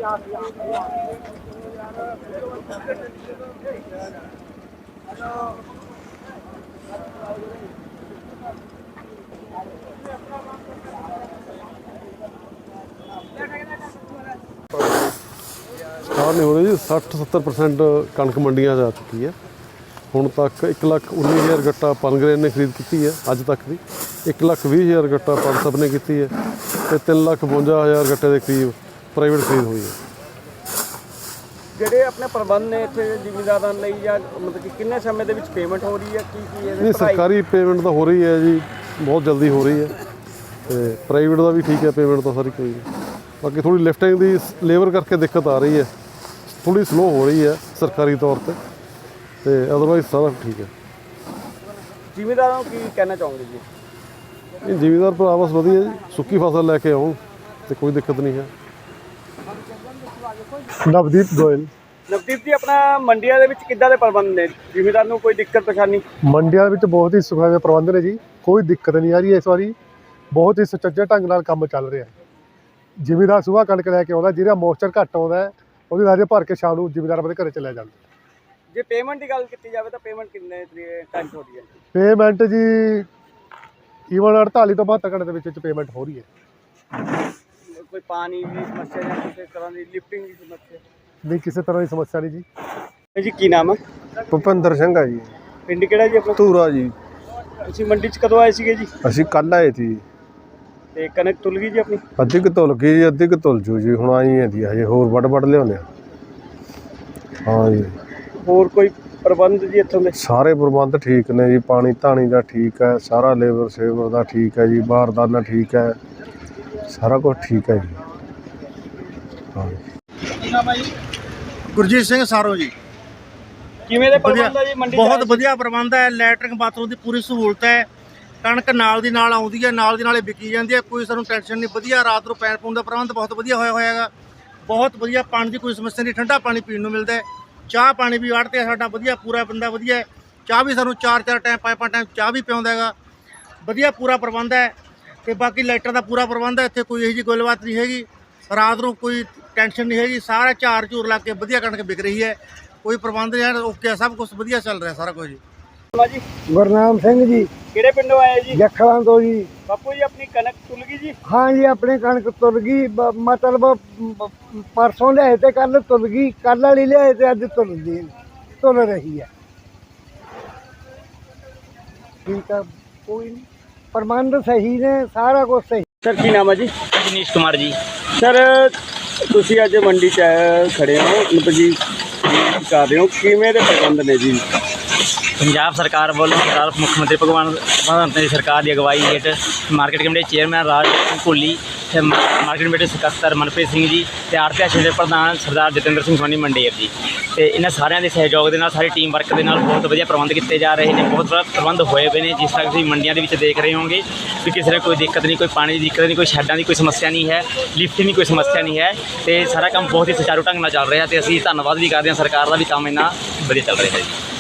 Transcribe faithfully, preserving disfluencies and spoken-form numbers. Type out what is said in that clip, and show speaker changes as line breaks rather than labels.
Start नहीं हो रही जी। सठ सत्तर परसेंट कणक मंडियां जा चुकी है। ਹੁਣ तक एक लाख उन्नी हज़ार गट्टा पनगरेन ने खरीद की है अज तक की। एक लाख भी हज़ार गट्टा पनसप ने की है तो तीन लाख बवंजा हज़ार गट्टे के करीब प्राइवेट खरीद हुई है।
ਜਿਹੜੇ ਆਪਣੇ ਪ੍ਰਬੰਧ ਨੇ ਇੱਥੇ ਜ਼ਿਮੀਂਦਾਰਾਂ ਲਈ ਜਾਂ ਮਤਲਬ ਕਿ ਕਿੰਨੇ ਸਮੇਂ ਦੇ ਵਿੱਚ ਪੇਮੈਂਟ ਹੋ ਰਹੀ ਹੈ ਕੀ ਕੀ ਇਹਦੇ
नहीं सरकारी पेमेंट तो हो रही है जी, बहुत जल्दी हो रही है। तो प्राइवेट का भी ठीक है, पेमेंट तो सारी कोई नहीं। बाकी थोड़ी लिफ्टिंग की लेबर करके दिक्कत आ रही है, थोड़ी स्लो हो रही है सरकारी तौर पर, तो अदरवाइज सारा ठीक है।
ਜ਼ਿਮੀਂਦਾਰਾਂ ਨੂੰ ਕੀ ਕਹਿਣਾ ਚਾਹੋਗੇ ਜੀ?
नहीं जिमीदार भरा बस वधिया जी, सुक्की फसल लैके आओ तो कोई दिक्कत नहीं है।
नवदीप गोयल।
ਨਵਦੀਪ ਜੀ, ਆਪਣਾ ਮੰਡੀਆਂ ਦੇ ਵਿੱਚ ਕਿੱਦਾਂ ਦੇ ਪ੍ਰਬੰਧ ਨੇ? ਜ਼ਿਮੀਂਦਾਰ ਨੂੰ ਕੋਈ ਦਿੱਕਤ ਪਰੇਸ਼ਾਨੀ?
ਮੰਡੀਆਂ ਵਿੱਚ ਬਹੁਤ ਹੀ ਸੁਖਾਵੇਂ ਪ੍ਰਬੰਧ ਨੇ ਜੀ, ਕੋਈ ਦਿੱਕਤ ਨਹੀਂ ਆ ਰਹੀ ਇਸ ਵਾਰੀ। ਬਹੁਤ ਹੀ ਸੁਚੱਜੇ ਢੰਗ ਨਾਲ ਕੰਮ ਚੱਲ ਰਿਹਾ ਹੈ। ਜ਼ਿਮੀਂਦਾਰ ਸੁਬਾਹ ਕਣਕ ਲੈ ਕੇ ਆਉਂਦਾ, ਜਿਹੜਾ ਮੋਇਸਚਰ ਘੱਟ ਆਉਂਦਾ ਉਹਦੀ ਰਾਜੇ ਭਰ ਕੇ ਸ਼ਾਮ ਨੂੰ ਜ਼ਿਮੀਂਦਾਰ ਆਪਣੇ ਘਰੇ ਚਲਿਆ ਜਾਂਦਾ।
ਜੇ ਪੇਮੈਂਟ ਦੀ ਗੱਲ ਕੀਤੀ ਜਾਵੇ ਤਾਂ ਪੇਮੈਂਟ ਕਿੰਨੇ ਟਾਈਮ 'ਚ ਹੋ ਰਹੀ ਹੈ?
ਪੇਮੈਂਟ ਜੀ ਈਵਨ ਅੜਤਾਲੀ ਤੋਂ ਬਹੱਤਰ ਘੰਟੇ ਦੇ ਵਿੱਚ ਵਿੱਚ ਪੇਮੈਂਟ ਹੋ ਰਹੀ ਹੈ।
ਕੋਈ ਪਾਣੀ ਦੀ ਸਮੱਸਿਆ ਜਾਂ ਕਿਸੇ ਤਰ੍ਹਾਂ ਦੀ ਲਿਫਟਿੰਗ ਦੀ ਸਮੱਸਿਆ?
ਨਹੀਂ, ਕਿਸੇ ਤਰ੍ਹਾਂ ਦੀ ਸਮੱਸਿਆ ਨਹੀਂ ਜੀ।
ਜੀ ਕੀ ਨਾਮ ਹੈ?
ਭੁਪਿੰਦਰ ਸਿੰਘ ਆ ਜੀ।
ਪਿੰਡ ਕਿਹੜਾ ਜੀ ਆਪਣਾ?
ਧੂਰਾ ਜੀ।
ਤੁਸੀਂ ਮੰਡੀ 'ਚ ਕਦੋਂ ਆਏ ਸੀਗੇ ਜੀ?
ਅਸੀਂ ਕੱਲ੍ਹ ਆਏ ਸੀ।
ਤੇ ਕਣਕ ਤੁਲ ਗਈ ਜੀ ਆਪਣੀ?
ਅੱਧੀ ਕੁ ਤੁਲ ਗਈ ਜੀ, ਅੱਧੀ ਕੁ ਤੁਲ ਜੂ ਜੀ, ਹੁਣ ਆਈ ਜਾਂਦੀ ਹਜੇ, ਹੋਰ ਵੱਢ ਵੱਢ ਲਿਆਉਂਦੇ ਆ। ਹਾਂ ਜੀ।
ਹੋਰ ਕੋਈ ਪ੍ਰਬੰਧ ਜੀ ਇੱਥੋਂ ਦੇ?
ਸਾਰੇ ਪ੍ਰਬੰਧ ਠੀਕ ਨੇ ਜੀ, ਪਾਣੀ ਧਾਣੀ ਦਾ ਠੀਕ ਹੈ, ਸਾਰਾ ਲੇਬਰ ਸੇਵਰ ਦਾ ਠੀਕ ਹੈ ਜੀ, ਬਾਰਦਾਨਾ ਠੀਕ ਹੈ, ਸਾਰਾ ਕੁਝ ਠੀਕ ਹੈ ਜੀ। ਹਾਂ ਜੀ।
ਗੁਰਜੀਤ ਸਿੰਘ ਸਾਰੋ ਜੀ।
ਕਿਵੇਂ ਦੇ ਪ੍ਰਬੰਧ ਹੈ ਜੀ ਮੰਡੀ?
ਬਹੁਤ ਵਧੀਆ ਪ੍ਰਬੰਧ ਹੈ, ਲੈਟਰਿੰਗ ਬਾਥਰੂਮ ਦੀ ਪੂਰੀ ਸਹੂਲਤ ਹੈ, ਕਣਕ ਨਾਲ ਦੀ ਨਾਲ ਆਉਂਦੀ ਹੈ, ਨਾਲ ਦੀ ਨਾਲੇ ਵਿਕੀ ਜਾਂਦੀ ਹੈ, ਕੋਈ ਸਾਨੂੰ ਟੈਨਸ਼ਨ ਨਹੀਂ। ਵਧੀਆ ਰਾਤ ਨੂੰ ਪੈਣ ਪਾਉਣ ਦਾ ਪ੍ਰਬੰਧ ਬਹੁਤ ਵਧੀਆ ਹੋਇਆ ਹੋਇਆ ਹੈਗਾ, ਬਹੁਤ ਵਧੀਆ। ਪਾਣੀ ਦੀ ਕੋਈ ਸਮੱਸਿਆ ਨਹੀਂ, ਠੰਡਾ ਪਾਣੀ ਪੀਣ ਨੂੰ ਮਿਲਦਾ ਹੈ। ਚਾਹ ਪਾਣੀ ਵੀ ਆੜ੍ਹਤੀ ਹੈ ਸਾਡਾ ਵਧੀਆ, ਪੂਰਾ ਬੰਦਾ ਵਧੀਆ ਹੈ। ਚਾਹ ਵੀ ਸਾਨੂੰ ਚਾਰ ਚਾਰ ਟਾਈਮ ਪੰਜ ਪੰਜ ਟਾਈਮ ਚਾਹ ਵੀ ਪਿਆਉਂਦਾ ਹੈਗਾ, ਵਧੀਆ ਪੂਰਾ ਪ੍ਰਬੰਧ ਹੈ। ਅਤੇ ਬਾਕੀ ਲਾਈਟਾਂ ਦਾ ਪੂਰਾ ਪ੍ਰਬੰਧ ਹੈ, ਇੱਥੇ ਕੋਈ ਇਹੋ ਜਿਹੀ ਗੱਲਬਾਤ ਨਹੀਂ ਹੈਗੀ। ਰਾਤ ਨੂੰ ਕੋਈ ਟੈਨਸ਼ਨ ਨਹੀਂ ਹੈਗੀ, ਸਾਰਾ ਝਾਰ ਝੂਰ ਲਾ ਕੇ ਵਧੀਆ ਕਣਕ ਵਿਕ ਰਹੀ ਹੈ, ਕੋਈ ਪ੍ਰਬੰਧ ਨਹੀਂ ਹੈ, ਓਕੇ, ਸਭ ਕੁਛ ਵਧੀਆ ਚੱਲ ਰਿਹਾ ਸਾਰਾ ਕੁਝ ਜੀ।
ਜੀ
ਗੁਰਨਾਮ ਸਿੰਘ ਜੀ।
ਕਿਹੜੇ ਪਿੰਡੋਂ ਆਏ ਜੀ?
ਜੱਖਲਾਂ ਤੋਂ ਜੀ।
ਬਾਪੂ ਜੀ, ਆਪਣੀ ਕਣਕ ਤੁਲ ਗਈ ਜੀ?
ਹਾਂ ਜੀ, ਆਪਣੀ ਕਣਕ ਤੁਲ ਗਈ, ਬ- ਮਤਲਬ ਬ- ਪਰਸੋਂ ਲਿਆਏ ਤੇ ਕੱਲ ਤੁਲ ਗਈ, ਕੱਲ ਵਾਲੀ ਲਿਆਏ ਤੇ ਅੱਜ ਤੁਲਦੀ ਤੁਲ ਰਹੀ ਹੈ। ਠੀਕ ਆ, ਕੋਈ ਨਹੀਂ, ਪ੍ਰਬੰਧ ਸਹੀ ਨੇ, ਸਾਰਾ ਕੁਝ ਸਹੀ।
ਸਰ ਕੀ ਨਾਮ ਹੈ ਜੀ?
ਜਨੀਸ਼ ਕੁਮਾਰ ਜੀ।
ਸਰ ਤੁਸੀਂ ਅੱਜ ਮੰਡੀ 'ਚ ਆਏ ਖੜੇ ਹੋ, ਮਤਲਬ ਜੀ ਕੀ ਕਰ ਰਹੇ ਹੋ, ਕਿਵੇਂ ਦੇ ਪ੍ਰਬੰਧ ਨੇ ਜੀ?
ਪੰਜਾਬ ਸਰਕਾਰ ਵੱਲੋਂ ਸਰਦਾਰ ਮੁੱਖ ਮੰਤਰੀ ਭਗਵੰਤ ਮਾਨ ਦੀ ਸਰਕਾਰ ਦੀ ਅਗਵਾਈ ਹੇਠ market committee chairman Raj Singh Bhulli ਅਤੇ ਮਾਰਕੀਟ ਕਮੇਟੀ ਸਕੱਤਰ ਮਨਪ੍ਰੀਤ ਸਿੰਘ ਜੀ ਅਤੇ ਆੜ੍ਹਤੀ ਸ਼੍ਰੇਣੀ ਦੇ ਪ੍ਰਧਾਨ ਸਰਦਾਰ ਜਤਿੰਦਰ ਸਿੰਘ ਸੋਨੀ ਮੰਡੇਰ ਜੀ, ਅਤੇ ਇਹਨਾਂ ਸਾਰਿਆਂ ਦੇ ਸਹਿਯੋਗ ਦੇ ਨਾਲ, ਸਾਰੀ ਟੀਮ ਵਰਕ ਦੇ ਨਾਲ ਬਹੁਤ ਵਧੀਆ ਪ੍ਰਬੰਧ ਕੀਤੇ ਜਾ ਰਹੇ ਨੇ। ਬਹੁਤ ਵਧੀਆ ਪ੍ਰਬੰਧ ਹੋਏ ਹੋਏ ਨੇ, ਜਿਸ ਤਰ੍ਹਾਂ ਤੁਸੀਂ ਮੰਡੀਆਂ ਦੇ ਵਿੱਚ ਦੇਖ ਰਹੇ ਹੋਗੇ ਵੀ ਕਿਸੇ ਨੇ ਕੋਈ ਦਿੱਕਤ ਨਹੀਂ, ਕੋਈ ਪਾਣੀ ਦੀ ਦਿੱਕਤ ਨਹੀਂ, ਕੋਈ ਸ਼ੈੱਡਾਂ ਦੀ ਕੋਈ ਸਮੱਸਿਆ ਨਹੀਂ ਹੈ, ਲਿਫਟਿੰਗ ਦੀ ਕੋਈ ਸਮੱਸਿਆ ਨਹੀਂ ਹੈ, ਅਤੇ ਸਾਰਾ ਕੰਮ ਬਹੁਤ ਹੀ ਸੁਚਾਰੂ ਢੰਗ ਨਾਲ ਚੱਲ ਰਿਹਾ। ਅਤੇ ਅਸੀਂ ਧੰਨਵਾਦ ਵੀ ਕਰਦੇ ਹਾਂ ਸਰਕਾਰ ਦਾ ਵੀ, ਕੰਮ ਇੰਨਾ ਵਧੀਆ ਚੱਲ ਰਿਹਾ ਹੈ ਜੀ।